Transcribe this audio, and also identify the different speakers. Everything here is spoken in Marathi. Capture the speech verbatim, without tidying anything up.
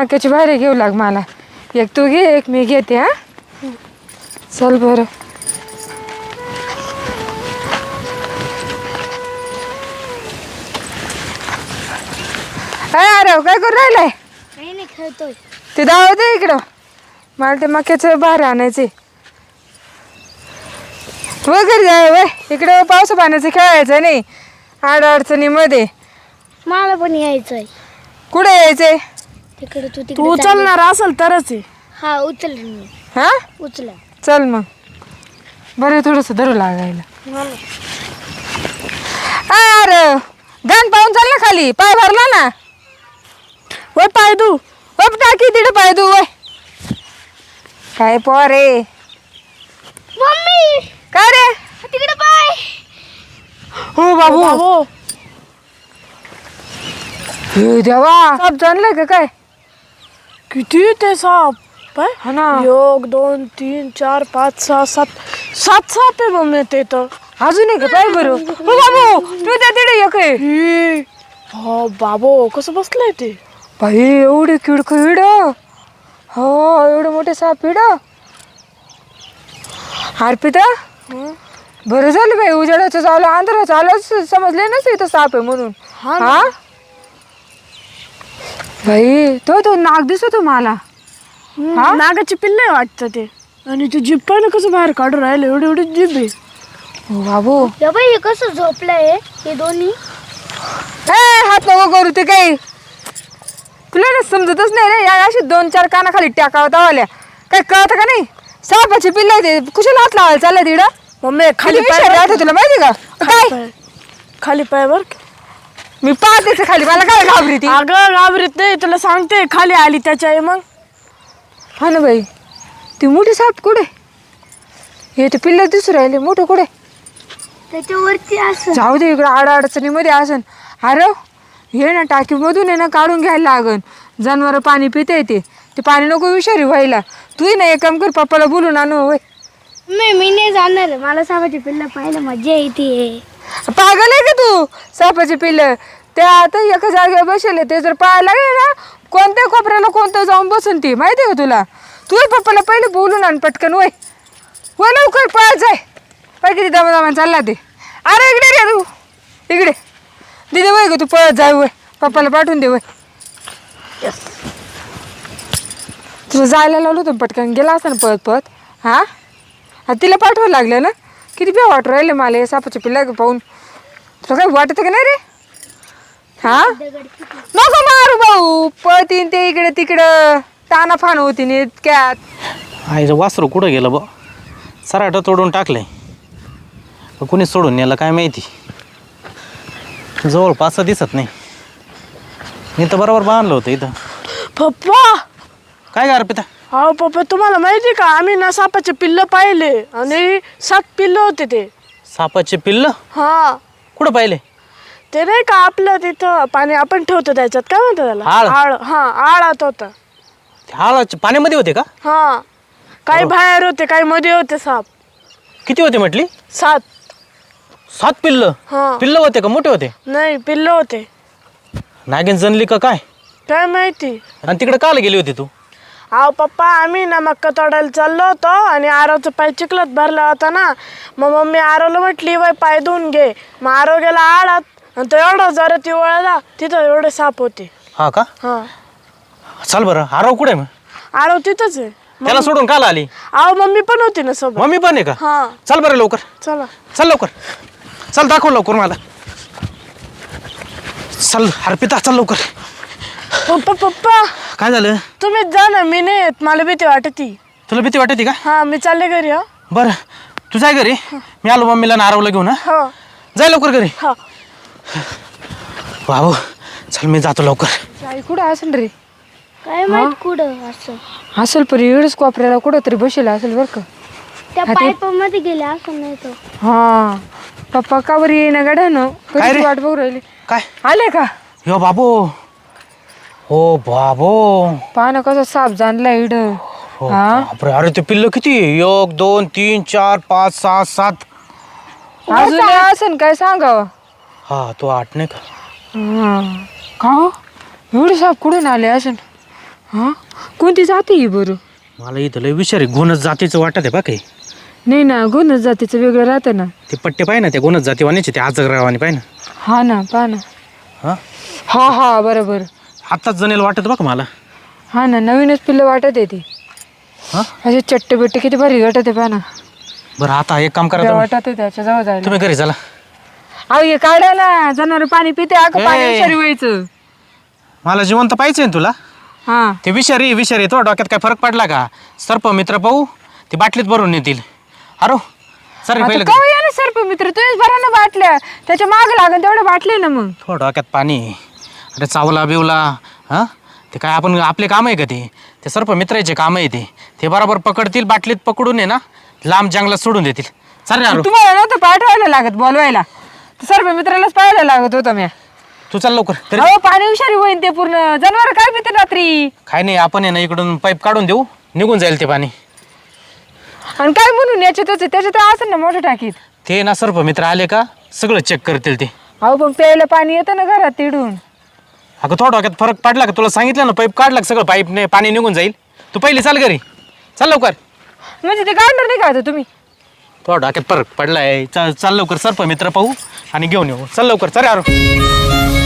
Speaker 1: मक्याची भारी घेऊ लाग मला. एक तू घे एक मी घेते. हा चल बरं. अरे काय करू राहिलाय?
Speaker 2: काही नाही खेळतोय.
Speaker 1: ते दाव दे इकडं. मला ते मक्याचं भारी आणायचे. वगैरे जाय वय इकडे पावस पाण्याचं खेळायचं नाही आड अडचणीमध्ये.
Speaker 2: मला पण यायचंय.
Speaker 1: कुठे यायचंय?
Speaker 2: तिकडे तू
Speaker 3: तू उचलणार असेल तरच आहे.
Speaker 2: हा उचल मी.
Speaker 1: हा
Speaker 2: उचला.
Speaker 1: चल मग. बरं थोडस धरू लागायला. अरे गाण पाहून चाल ना खाली. पाय भरला ना.
Speaker 3: वय पाय तू
Speaker 1: बाप टाकी तिथे पाय तू वय. काय पोरे
Speaker 2: मम्मी
Speaker 1: काय रे?
Speaker 2: तिकडे पाय.
Speaker 1: हो बाबू.
Speaker 3: बाबू
Speaker 1: हे देवा साप जाणलाय का काय?
Speaker 3: किती ते साप पाय.
Speaker 1: हा ना.
Speaker 3: एक दोन तीन चार पाच सहा सात सात साप आहे मम्मी ते तर.
Speaker 1: अजून एक पाय बरं. हो बाबू तू त्या तिथे एक आहे.
Speaker 3: ही. हो बाबू कसं बसलंय ते.
Speaker 1: बाई एवढे किडक इड. हो एवढे मोठे साप इड. अर्पिता बरं झालं बाई उजेडाचं चालू अंधाराचं आलं समजले ना इथं साप आहे म्हणून. हा बाई तो तो नाग दिसतो मला.
Speaker 3: नागाची पिल्ले वाटतं ते. आणि ते जीभ पण कसं बाहेर काढून राहिलं एवढी एवढी जीभ आहे.
Speaker 1: हो बाबू.
Speaker 2: या बाई हे कसं झोपलंय हे दोन्ही.
Speaker 1: ए हात नको करू ते काही. तुला ना समजतच नाही रे. या अशी दोन चार कानाखाली टाकावं तावाल्या काय कळतं का नाही. सापाची पिल्ला ते कुशाला हात लावायला चाललंय तिकडं.
Speaker 3: मम्मी खाली पाय
Speaker 1: राहते तुला माहिती का काय?
Speaker 3: पाय. खाली पाय बर.
Speaker 1: मी पाहतेच खाली मला काय घाबरी ती.
Speaker 3: अगं घाबरीत नाही तुला सांगते. खाली आली त्याच्या आहे मग.
Speaker 1: हा ना बाई ती मोठी साप कुठे? हे ते पिल्ल दिसू राहिले मोठं कुठे?
Speaker 2: त्याच्यावरती असं.
Speaker 1: जाऊ दे इकडं आड अडचणीमध्ये असन. अरे हे ना टाकीमधून आहे ना काढून घ्यायला लागन. जनावर पाणी पिते ते ते पाणी नको विषारी व्हायला. तूही ना एक काम कर पप्पाला बोलून आणू होय.
Speaker 2: मी मी नाही जाणार. मला सापाची पिल्लं पाहिलं मजा येते.
Speaker 1: पागल आहे का तू? सापाचे पिल्ल ते आता एका जागेवर बसले ते जर पाहायला लागले ना कोणत्या कोपऱ्याला कोणतं जाऊन बसून ती माहिती आहे का तुला? तू पप्पाला पहिले बोलून आण पटकन वय वय लवकर पळत जाय. पाय किती दमा दमा चालला ते. अरे इकडे रे तू इकडे दिदे वय ग तू पळत जाय वय पप्पाला पाठवून दे वय. तुला जायला लावलं होतं पटकन गेला असता ना पळत पळत. हा तिला पाठवायला लागलं ना. किती बी वाटू राहिले मला हे सापाचे पिल्ला पाहून. तुला काही वाटत का नाही रे? हा नको मारू भाऊ. पळतीन ते इकडे तिकडं ताना फान होती नी इतक्यात.
Speaker 4: आईचं वासरू कुठं गेलं बा. सराट तोडून टाकलंय. कुणी सोडून नेलं काय माहिती. जवळपास दिसत नाही. मी तर बरोबर बांधलं होतं इथं.
Speaker 3: पप्पा
Speaker 4: काय का अर्पिता?
Speaker 3: हो पप्पा तुम्हाला माहिती का आम्ही ना सापाचे पिल्ल पाहिले आणि सात पिल्ल होते ते.
Speaker 4: सापाचे पिल्ल?
Speaker 3: हा
Speaker 4: कुठं पाहिले?
Speaker 3: ते नाही का आपलं तिथं पाणी आपण ठेवतो त्याच्यात काय म्हणतो त्याला
Speaker 4: आळ.
Speaker 3: आळ. हा आळात होता.
Speaker 4: हाळाचे पाण्यामध्ये होते का?
Speaker 3: हा काही बाहेर होते काही मध्ये होते साप.
Speaker 4: किती होते म्हटली?
Speaker 3: सात.
Speaker 4: सात पिल्ल?
Speaker 3: हा
Speaker 4: पिल्ल होते का मोठे होते?
Speaker 3: नाही पिल्ल होते.
Speaker 4: नागिन जनली का काय?
Speaker 3: काय माहिती.
Speaker 4: आणि तिकडे काल गेली होती तू?
Speaker 3: अहो पप्पा आम्ही ना मक्का तोडायला चाललो होतो आणि आरवचा पाय चिखलात भरला होता ना. मग मम्मी आरवला म्हटली बाय पाय धुवून घे. मग आरव गेला आळात आणि तो एवढा जरा ती वळला तिथं एवढे साप होते.
Speaker 4: हा का?
Speaker 3: हा
Speaker 4: चल बरं. आरव कुठे मग?
Speaker 3: आरव तिथंच आहे.
Speaker 4: त्याला सोडून काल आली?
Speaker 3: अहो मम्मी पण होती ना सोबत.
Speaker 4: मम्मी पण आहे का?
Speaker 3: हा
Speaker 4: चल बरं लवकर.
Speaker 3: चला
Speaker 4: चल लवकर. चल दाखव लवकर मला. चल अर्पिता चल लवकर.
Speaker 3: पप्पा पप्पा
Speaker 4: काय झालं?
Speaker 3: तुम्हीच जा ना. मी नाही येत. मला भीती वाटती.
Speaker 4: तुला भीती वाटते का?
Speaker 3: हा मी चालले घरी. हा
Speaker 4: बरं तू जाय घरी. मी आलो मम्मीला नारवला घेऊन. हा
Speaker 3: हो
Speaker 4: जाय लवकर घरी.
Speaker 3: हा
Speaker 4: बाबू चल मी जातो लवकर.
Speaker 1: आई कुठं असेल रे?
Speaker 2: काय माहित कुठं असं.
Speaker 1: असेल पण एवढंच कोपऱ्याला कुठं तरी बसेल असेल बरं का.
Speaker 2: त्या पाईपामध्ये गेले असं नाही तो.
Speaker 1: हा पप्पा का बरं येईना गाड्यानं कधी वाट बघू राहिली.
Speaker 4: काय
Speaker 1: आले का?
Speaker 4: यो बाबू. हो बाबू
Speaker 1: पाहा कसा साप जाणला इड.
Speaker 4: हो बापरे. अरे ते पिल्ल किती? एक दोन तीन चार पाच सहा सात.
Speaker 1: अजून असेल काय सांगावं.
Speaker 4: हा तो आठ नाही का?
Speaker 1: का हो एवढे साप कुठून आले असेल? हा कोणती जाती ही बरं?
Speaker 4: मला इथं लय विषारी गुणच जातीचं वाटत आहे बा काही.
Speaker 1: नाही ना गुणच जातीचं वेगळं राहतं ना.
Speaker 4: ते पट्टे पाय ना त्या गुणच जातीवानीचे ते आजगरावानी पाय ना.
Speaker 1: हा ना पहा ना.
Speaker 4: हां
Speaker 1: हा हा बरोबर.
Speaker 4: आत्ताच जणेल वाटत बघ मला.
Speaker 1: हा ना नवीनच पिल्लं वाटत आहे ती.
Speaker 4: हां
Speaker 1: असे चट्टे बिट्टे किती भारी वाटत आहे पहा ना.
Speaker 4: बरं आता एक काम करा
Speaker 1: त्या
Speaker 4: तुम्ही.
Speaker 1: वाटत आहे त्याच्या जवळ जायला.
Speaker 4: तुम्ही घरी चला.
Speaker 1: अहो हे काढायला जनावर पाणी पिते अगं
Speaker 4: ए.
Speaker 1: पाणी विषारी व्हायचं.
Speaker 4: मला जिवंत पाहिजे ना तुला.
Speaker 1: हा
Speaker 4: ते विषारी विषारी तो डोक्यात काय फरक पडला का? सर्प मित्र पाहू ते बाटलीत भरून नेतील. अरो सर
Speaker 1: आता
Speaker 4: पहिलं
Speaker 1: कवा या ना सर्प मित्र तुम्हीच बरा ना बाटल्या त्याच्या माग लागेल तेवढ्या बाटले ना मग.
Speaker 4: थोडं डोक्यात पाणी. अरे चावला बिवला हां ते काय आपण आपले काम आहे का ते? ते सर्प मित्राचे काम आहे ते. ते बरोबर पकडतील बाटलीत पकडून आहे ना लांब जंगलात सोडून देतील. चालेल अरो
Speaker 1: तुम्हाला नव्हतं पाठवायला लागत बोलवायला सर्प मित्रालाच पाहायला लागत होतं मी.
Speaker 4: तू चाल लवकर. तरी
Speaker 1: अहो पाणी विषारी होईन ते पूर्ण जनावर काय पिते रात्री.
Speaker 4: काय नाही आपण आहे ना इकडून पाईप काढून देऊ निघून जाईल ते पाणी.
Speaker 1: आणि काय म्हणून याच्यातच आहे, त्याच्यात असेल ना मोठं टाकीत.
Speaker 4: ते ना सर्प मित्र आले का सगळं चेक करतील ते.
Speaker 1: अहो पण प्यायला पाणी येतं ना घरात तिडून.
Speaker 4: अगं थोडं डोक्यात फरक पडला का? तुला सांगितलं ना पाईप काढला का सगळं पाईपने पाणी निघून जाईल. तू पहिली चाल घरी चाल लवकर.
Speaker 1: म्हणजे ते काढणार नाही का आता तुम्ही?
Speaker 4: थोडा डोक्यात फरक पडलाय. चाल चाल लवकर सर्प मित्र पाहू आणि घेऊन येऊ. चल लवकर चल यार.